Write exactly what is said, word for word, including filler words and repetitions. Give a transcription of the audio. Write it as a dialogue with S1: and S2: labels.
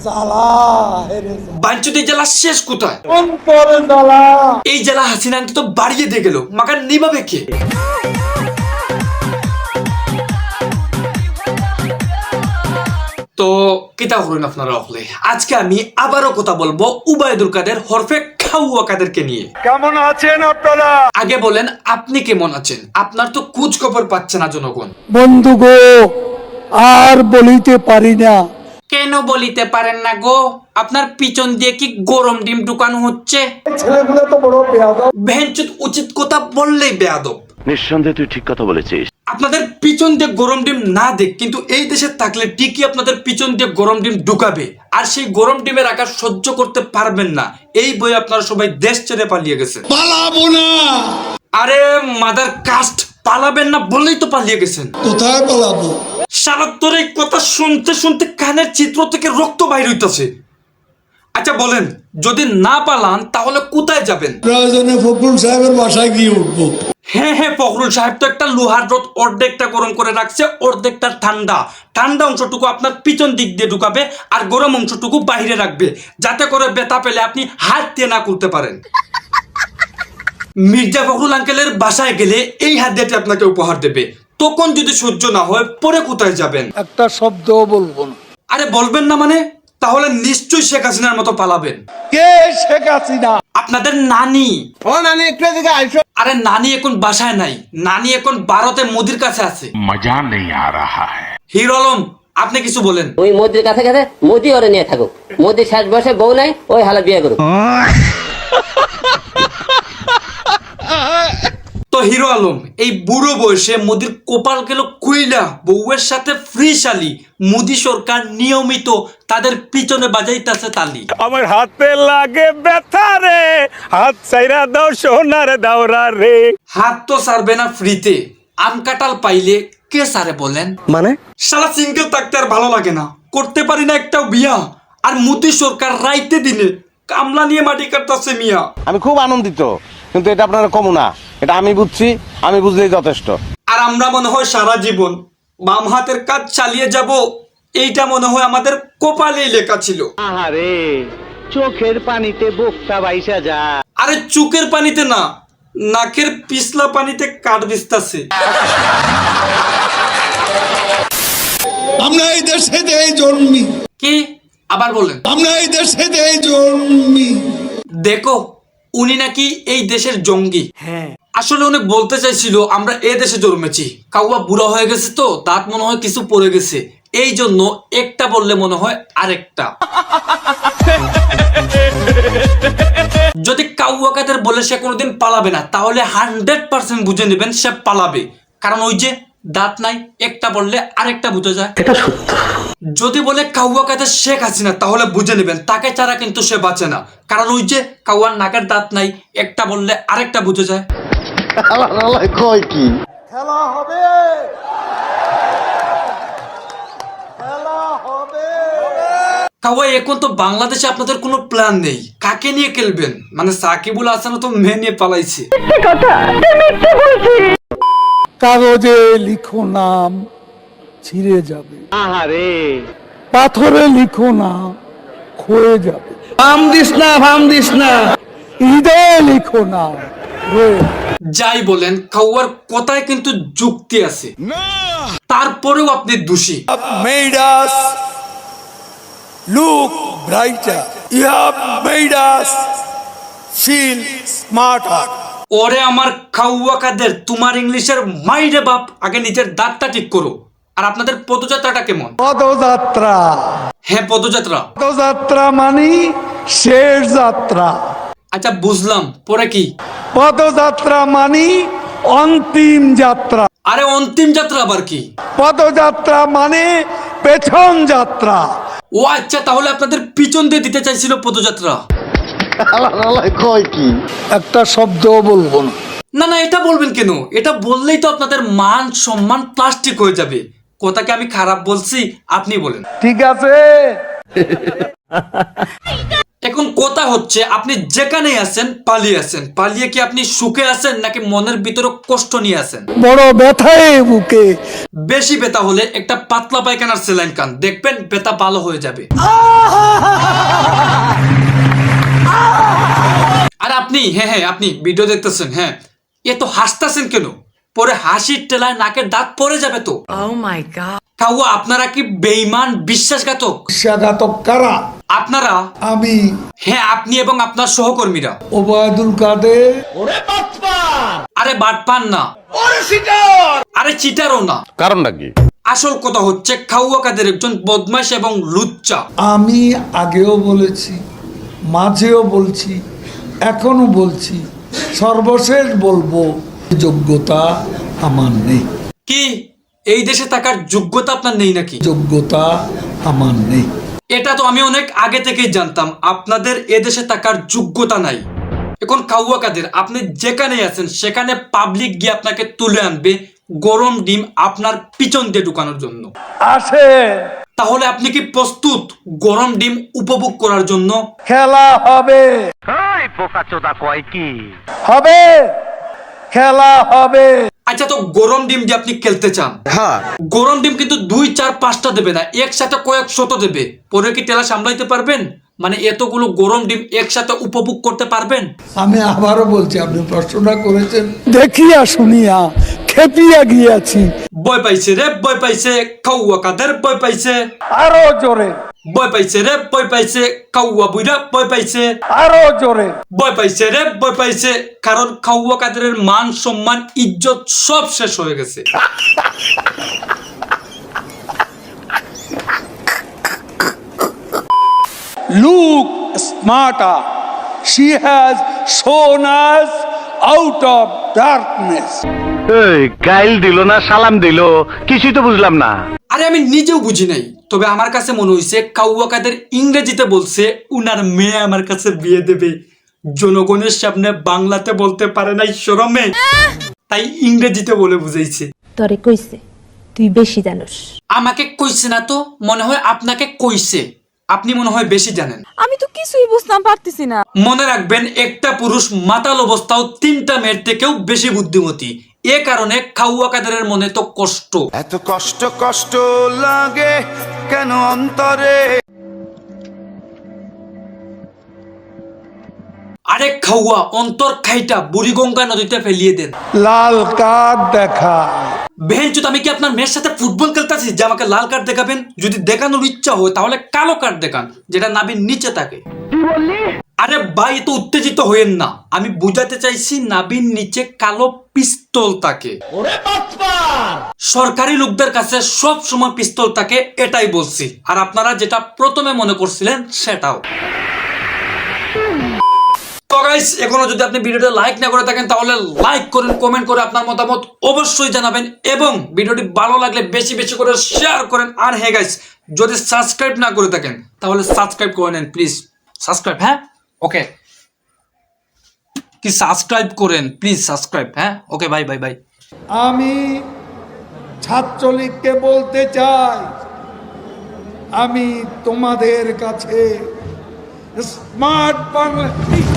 S1: বাঞ্চুতি জেলা শেষ কোথায়? এই জেলা হাসিনা তো বাড়িয়ে দিয়ে গেল, মাকার নিভাবে কে? তো কিতা করুন আপনারা হলে আজকে আমি আবারও কথা বলবো উবাইদুল কাদের হরফে খাওয়া কাদেরকে নিয়ে।
S2: কেমন আছেন আপনারা?
S1: আগে বলেন আপনি কেমন আছেন? আপনার তো খোঁজ খবর পাচ্ছে না জনগণ।
S3: বন্ধু গো, আর বলিতে পারি না।
S1: কেন বলিতে পারেন না গো? আপনার পিছন দিয়ে কি গরম ডিম ঢুকানো হচ্ছে?
S3: ছেলেগুলো তো বড় বেয়াদব।
S1: ভেঞ্চুত উচিত কথা বললেই বেয়াদব।
S4: নিঃসন্দেহে তুই ঠিক কথা বলেছিস।
S1: আপনাদের পিছন দিয়ে গরম ডিম না দেখ, কিন্তু এই দেশে থাকলে ঠিকই আপনাদের পিছন দিয়ে গরম ডিম ঢুকাবে, আর সেই গরম ডিমের আকার সহ্য করতে পারবেন না। এই বই আপনারা সবাই দেশ ছেড়ে পালিয়ে গেছেন।
S3: পালাবো না।
S1: আরে মাদার কাস্ট, পালাবেন না বলেই তো পালিয়ে গেছেন।
S3: কোথায় পালাবো?
S1: সারা তোর এই কথা শুনতে শুনতে কানের চিত্র থেকে রক্ত বাইর হইতাছে। আচ্ছা বলেন, যদি না পালান তাহলে কোথায় যাবেন?
S3: প্রয়োজনে ফখরুল সাহেবের বাসায় গিয়ে উঠবো।
S1: হ্যাঁ হ্যাঁ, ফখরুল সাহেব তো একটা লোহার রড অর্ধেকটা গরম করে রাখছে, অর্ধেকটা ঠান্ডা। ঠান্ডা অংশটুকু আপনার পিছন দিক দিয়ে ঢুকাবে আর গরম অংশটুকু বাইরে রাখবে, যাতে করে ব্যথা পেলে আপনি হাত দিয়ে না করতে পারেন। মির্জা ফখরুল আঙ্কেলের বাসায় গেলে এই হাত দিয়ে আপনাকে উপহার দেবে। তখন যদি সহ্য না হয় পরে কোথায় যাবেন?
S3: একটা শব্দও বলবো না।
S1: আরে বলবেন না মানে? তাহলে নিশ্চয়ই শেখ হাসিনার মতো পালাবেন।
S3: কে শেখ হাসিনা?
S1: আপনাদের নানি।
S3: ও নানি, একটু এদিকে আইসো।
S1: আরে নানি এখন বাসায় নাই, নানি এখন ভারতে মোদির কাছে আছে।
S4: মজা নেই আ রাহা হ্যায়।
S1: হিরো আলম, আপনি কিছু বলেন।
S5: ওই মোদির কাছে কাছে মোদি ওরে নিয়ে থাকুক। মোদি শেষ বয়সে বউ নাই, ওই হালা বিয়ে করুক।
S1: তো হিরো আলম, এই বুড়ো বয়সে মোদির কোপাল গেল কুইলা বউয়ের সাথে ফ্রি শালি। মোদি সরকার নিয়মিত তাদের পিছনে বাজাইতেছে তালি।
S2: আমার হাতে লাগে ব্যথা রে, হাত চাইরা দাও সোনার দাওরা রে।
S1: হাত তো সারবে না ফ্রিতে, আম কাঁঠাল পাইলে কে সারে বলেন?
S3: মানে
S1: সারা সিঙ্গেল থাকতে আর ভালো লাগে না, করতে পারি না একটাও বিয়া। আর মোদি সরকার রাইতে দিনে কামলা নিয়ে মাটি কাটতেছে মিয়া।
S6: আমি খুব আনন্দিত, কিন্তু এটা আপনারা কম না, এটা আমি বুঝছি, আমি বুঝলেই যথেষ্ট।
S1: আর আমরা মনে হয় সারা জীবন বাম হাতের কাজ চালিয়ে যাব, এইটা মনে হয় আমাদের কপালেই লেখা ছিল।
S7: আহারে, চোখের পানিতে বোকটা বাইসা যা।
S1: আরে চোখের পানিতে না, নাকের পিছলা পানিতে কাঠ ভিজতাছে।
S3: আমরা এই দেশে দেই জন্মি।
S1: কি আবার বলেন?
S3: আমরা এই দেশে দেই জন্মি।
S1: দেখো, উনি নাকি এই দেশের জঙ্গি। হ্যাঁ, আসলে উনি বলতে চাইছিল আমরা এ দেশে জন্মেছি। কাউয়া বুড়া হয়ে গেছে তো দাঁত মনে হয় কিছু পড়ে গেছে, এই জন্য একটা বললে মনে হয় আরেকটা। যদি কাউয়া কাদের বলে সে কোনোদিন পালাবে না, তাহলে হান্ড্রেড পার্সেন্ট বুঝে নেবেন সে পালাবে। কারণ ওই যে দাঁত নাই, একটা বললে আরেকটা বুঝে যায়। এটা সত্য। যদি বলে কাউয়া কাদের শেখ হাসিনা, তাহলে বুঝে নেবেন তাকে ছাড়া কিন্তু সে বাঁচে না। কারণ ওই যে কাউয়ার নাকের দাঁত নাই, একটা বললে আরেকটা বুঝে যায়।
S6: কয় কি
S3: খেলা হবে, খেলা হবে।
S1: কাউয়া, এখন তো বাংলাদেশে আপনাদের কোনো প্ল্যান নেই, কাকে নিয়ে খেলবেন? মানে সাকিবুল হাসানও তো মেয়ে নিয়ে পালাইছে।
S3: কাগজে লিখো নাম, ছিঁড়ে যাবে।
S7: আহারে,
S3: পাথরে লিখো নাম, ক্ষয়ে যাবে।
S7: ভাম দিস না, ভাম দিস না।
S3: হৃদয়ে লিখো নাম, রয়ে যাবে।
S1: যাই বলেন, কাউয়ার কথায় কিন্তু যুক্তি আছে, তারপরেও আপনি দোষী।
S3: Made us look brighter. You have made us feel smarter.
S1: ওরে আমার কাউয়া কাদের, তোমার ইংলিশের মাইরে বাপ, আগে নিজের দাঁতটা ঠিক করো। আর আপনাদের পদযাত্রাটা কেমন?
S3: পদযাত্রা,
S1: হ্যাঁ পদযাত্রা।
S3: পদযাত্রা মানে শেষ যাত্রা।
S1: আচ্ছা বুঝলাম, পরে কি?
S3: পদযাত্রা মানে অন্তিম যাত্রা।
S1: আরে অন্তিম যাত্রা আবার কি?
S3: পদযাত্রা মানে পেছন যাত্রা।
S1: ও আচ্ছা, তাহলে আপনাদের পিছন দিয়ে দিতে চাইছিল পদযাত্রা।
S6: কয় কি
S3: একটা শব্দও বলবো না।
S1: না না, এটা বলবেন কেন? এটা বললেই তো আপনাদের মান সম্মান প্লাস্টিক হয়ে যাবে। কথাকে আমি খারাপ বলছি, আপনি বলেন।
S3: ঠিক আছে,
S1: এখন কথা কথা হচ্ছে আপনি যেখানেই আছেন পালিয়ে আছেন, পালিয়ে কি আপনি সুখে আছেন নাকি মনের ভিতরে কষ্ট নিয়ে আছেন?
S3: বড় ব্যথায় বুকে।
S1: বেশি ব্যথা হলে একটা পাতলা পায়খানার স্যালাইন খান, দেখবেন ব্যথা ভালো হয়ে যাবে। আর আপনি হ্যাঁ হ্যাঁ আপনি ভিডিও দেখতেছেন, হ্যাঁ এত হাসতেছেন কেন? পরে হাসির টেলায় নাকের দাঁত পড়ে যাবে তো। কাউয়া আপনারা কি বেঈমান বিশ্বাসঘাতক?
S3: বিশ্বাসঘাতক কারা?
S1: আপনারা।
S3: আমি।
S1: হ্যাঁ আপনি এবং আপনার সহকর্মীরা।
S3: ওবায়দুল কাদের।
S1: আরে বাটপান না, আরে চিটারও না।
S6: কারণটা কি?
S1: আসল কথা হচ্ছে কাউয়া কাদের একজন বদমাশ এবং লুচ্চা।
S3: আমি আগেও বলেছি, মাঝেও বলছি, এখনো বলছি, সর্বশেষ বলবো, যোগ্যতা আমার নেই।
S1: কি এই দেশে থাকার যোগ্যতা আপনার নেই নাকি?
S3: যোগ্যতা আমার নেই।
S1: এটা তো আমি অনেক আগে থেকেই জানতাম আপনাদের এদেশে থাকার যোগ্যতা নাই। এখন কাউয়া কাদের আপনি যেখানে আছেন সেখানে পাবলিক গিয়ে আপনাকে তুলে আনবে গরম ডিম আপনার পিছন দিয়ে ঢুকানোর জন্য।
S3: আসে।
S1: তাহলে আপনি কি প্রস্তুত গরম ডিম উপভোগ করার জন্য?
S3: খেলা হবে।
S7: এই পোকাচোদা কয় কি?
S3: হবে। খেলা হবে।
S1: আচ্ছা, তো গরম ডিম দিয়ে আপনি খেলতে চান?
S6: হ্যাঁ।
S1: গরম ডিম কিন্তু দুই চার পাঁচটা দেবে না, একসাথে কয়েক শত দেবে। পরে কি টেলা সামলাইতে পারবেন? মানে এতগুলো গরম ডিম একসাথে উপভোগ করতে পারবেন?
S3: আমি আবারও বলছি, আপনি প্রশ্নটা করেছেন দেখিয়া শুনিয়া খেপিয়া গিয়াছি।
S1: ভয় পাইছে রে, ভয় পাইছে কাউয়া কাদের, ভয় পাইছে।
S3: আরো জোরে।
S1: ভয় পাইছে রে, ভয় পাইছে কাউয়া বুইরা, ভয় পাইছে।
S3: আরো জোরে।
S1: ভয় পাইছে রে, ভয় পাইছে, কারণ কাউয়া কাদের মান সম্মান ইজ্জত সব শেষ হয়ে গেছে।
S3: Look smarter. She has shown us out of darkness.
S7: এই গাইল দিল না সালাম দিল, কিছুই তো বুঝলাম না।
S1: আরে আমি নিজেও বুঝি নাই, তবে আমার কাছে মনে হয়েছে কাউয়া কাদের ইংরেজিতে বলছে উনার মেয়ে আমার কাছে বিয়ে দেবে। জনগণের সামনে বাংলাতে বলতে পারে নাই শরমে, তাই ইংরেজিতে বলে বুঝাইছে।
S8: তরে কইছে তুই বেশি জানোস।
S1: আমাকে কইছে না তো, মনে হয় আপনাকে কইছে। আপনি মনে হয় বেশি জানেন।
S8: আমি তো কিছুই বুঝতাম পারতেছি না।
S1: মনে রাখবেন, একটা পুরুষ মাতাল অবস্থাও তিনটা মেয়ের থেকেও বেশি বুদ্ধিমতী। এ কারণে কাউয়া কাদেরের মনে তো কষ্ট।
S9: এত কষ্ট কষ্ট লাগে কেন অন্তরে?
S1: আরে খাওয়া অন্তর খাইটা বুড়িগঙ্গা নদীতে ফেলিয়ে দেন।
S3: লাল কার্ড দেখা।
S1: বেহেনচুত, আমি কি আপনার মেয়ের সাথে ফুটবল খেলতেছি যে আমাকে লাল কার্ড দেখাবেন? যদি দেখানোর ইচ্ছা হয় তাহলে কালো কার্ড দেখান, যেটা নাভির নিচে থাকে। আরে ভাই, তো উত্তেজিত হইেন না, আমি বুঝাতে চাইছি নাভির নিচে কালো পিস্তল থাকে। সরকারি লোকদের কাছে সব সময় পিস্তল থাকে, এটাই বলছি। আর আপনারা যেটা প্রথমে মনে করছিলেন সেটাও। তো গাইস, এখনো যদি আপনি ভিডিওটা লাইক না করে থাকেন তাহলে লাইক করেন, কমেন্ট করে আপনার মতামত অবশ্যই জানাবেন, এবং ভিডিওটি ভালো লাগলে বেশি বেশি করে শেয়ার করেন। আর হ্যাঁ গাইস, যদি সাবস্ক্রাইব না করে থাকেন তাহলে সাবস্ক্রাইব করে নেন প্লিজ। সাবস্ক্রাইব, হ্যাঁ ওকে, কি সাবস্ক্রাইব করেন প্লিজ, সাবস্ক্রাইব, হ্যাঁ ওকে, বাই বাই বাই।
S3: আমি ছাত্রলীগকে বলতে চাই, আমি তোমাদের কাছে স্মার্ট বাংলা